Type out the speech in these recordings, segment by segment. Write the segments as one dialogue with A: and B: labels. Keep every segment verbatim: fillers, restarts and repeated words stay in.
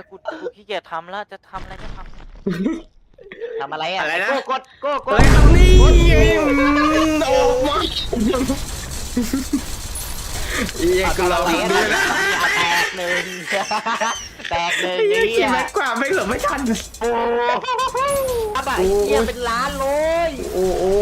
A: กูกูขี้เกียจทำแล้วจะทำอะไรก็ทำทำอะไรอ่ะ
B: อะไรนะ
A: โก้กดโก้ก
B: อะ
A: ด
B: ไรครับนี่โอ้มาอีกกูเรา
A: แต
B: ดู
A: ก
B: ด้วยนะ
A: แตกหนึ่งแตกหนึ่ง
B: ไอ้
A: นี่
B: เหี้ยขี่แม็กกว่าไม่เหลือไม่ทัน
A: โอ้อาบ่ายเหี้ยเป็นล้านเลย
B: โอ้โอ้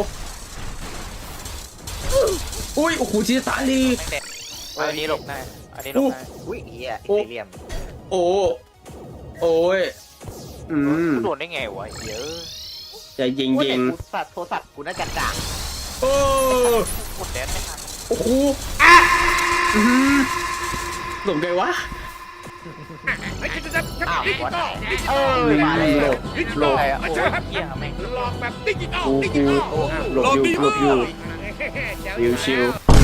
B: อุ้ยโอ้โหชิซาลี
A: อันนี้หลบได้อันนี้หลบได้อุ้ยเหี้ยอิตาเลียม
B: โอ้โอ้ยอืม
A: กูโดนได้ไงวะเยอะ
B: จะยิงยิง
A: กูสัตว์โทรศัพท์กูน่าจะจ่าง
B: โอ้
A: กดแดนไม่ทัน
B: โอ้โหอ่ะอืมหลงไงวะ
A: อ้าวหัวไหนเออ
B: หล
A: มาเลย
B: บหลบ
A: ใครอ่ะโอ้ยเหี้ยแม่ง
C: หลอกแบบดิจิตอล
B: กู
C: ดิ
B: กู
C: จิตอล
B: หลบอยู่หลบอยู่ชิวชิว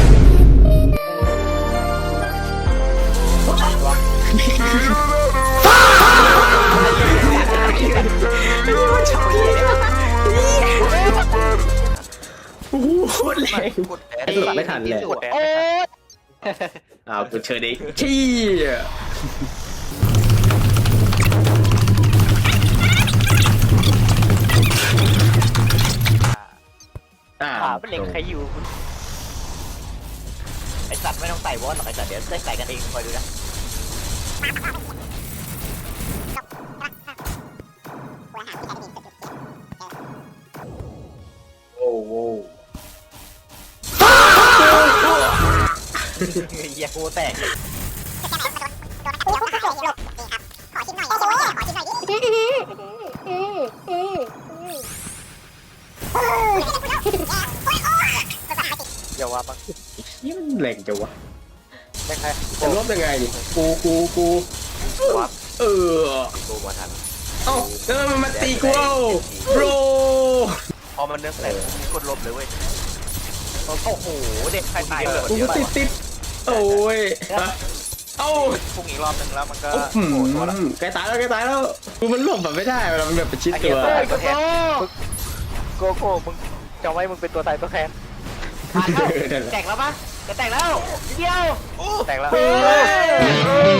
B: โอ้โหแรง
A: กดแดน
B: ไอ้หลบไม่ทันเลย
A: กดแดนโอ้ย
B: อ้าวกูเชิญดิชี้อ่า
A: ขาเป็นเหล็กใครอยู่ไอสัตว์ไม่ต้องใส่วอสหรอกไอสัตว์เดี๋ยวได้ใส่กันเองคอยดูนะ
B: โอ้โห
A: เหี้ยโคแตกเลย อย่าว่าบ้าง
B: นี่มันแรงจังวะ
A: ได้ใคร
B: จะลบยังไงดิกูกูกู
A: วับ
B: เออ
A: โกมาทัน
B: เอ้าแล้วมันมาตีกูเอาโบร
A: พอมันเนื้อแต่มีคนลบเลยเว้ยโอ้โหเด็กใครตายเลย
B: กูติดติดโอ้ยเอ้า
A: พุ่งอีกรอบนึงแล้วมันก็
B: โอ้โห
A: โผล่ตัวละ
B: ใกล้ตายแล้วใกล้ตายแล้วกูมันหลบแบบไม่ได้เวลามันแบบประชิด
A: ไอ้
B: ตั
A: เหี้ยว โก้โก้โก้มึงจำไว้มึงเป็นตัวตายตัวแทนแตกแล้วปะจะแตกแล้วเดียวแตกแล้ว